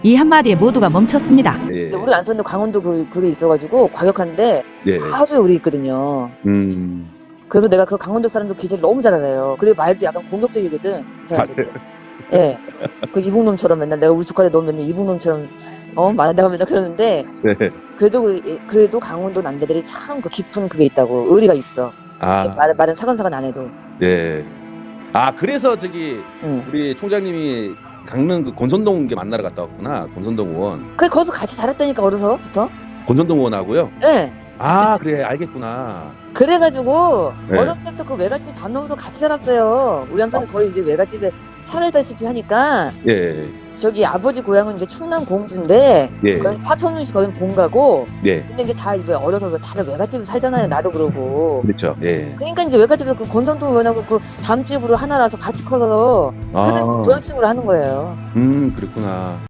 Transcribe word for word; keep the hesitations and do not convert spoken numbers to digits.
이 한마디에 모두가 멈췄습니다. 예. 근데 우리 남편도 강원도 그 그게 있어가지고 과격한데 예. 아주 우리 있거든요. 음. 그래서 내가 그 강원도 사람들 기재를 너무 잘 알아요. 그리고 말도 약간 공격적이거든. 그 아, 사람들이. 예. 그 이북놈처럼 맨날 내가 우리 조카들 너무 맨날 이북놈처럼 어 말한다고 맨날 그러는데 네. 그래도 그- 그래도 강원도 남자들이 참 그 깊은 그게 있다고 의리가 있어. 아, 말 말은 사근사근 안 해도. 네. 아, 그래서 저기 응. 우리 총장님이 강릉 그 권선동 게 만나러 갔다 왔구나. 권선동 의원. 그래 거기서 같이 자랐다니까 어려서부터. 권선동 의원하고요. 예. 아, 그래. 알겠구나. 그래가지고 네. 어렸을 때부터 그 외갓집 밥 먹어서 같이 살았어요. 우리 남편은 거의 이제 외갓집에 살다시피 하니까 예. 저기 아버지 고향은 이제 충남 공주인데 예. 거기 파천군 씨 거긴 본가고 예. 근데 이제 다 이제 어려서 다들 외갓집에서 살잖아요. 나도 그러고. 그렇죠. 예. 그러니까 이제 외갓집에서 그 권성동 의원하고 그 담집으로 하나라서 같이 커서 아. 그런 식으로 하는 거예요. 음, 그렇구나.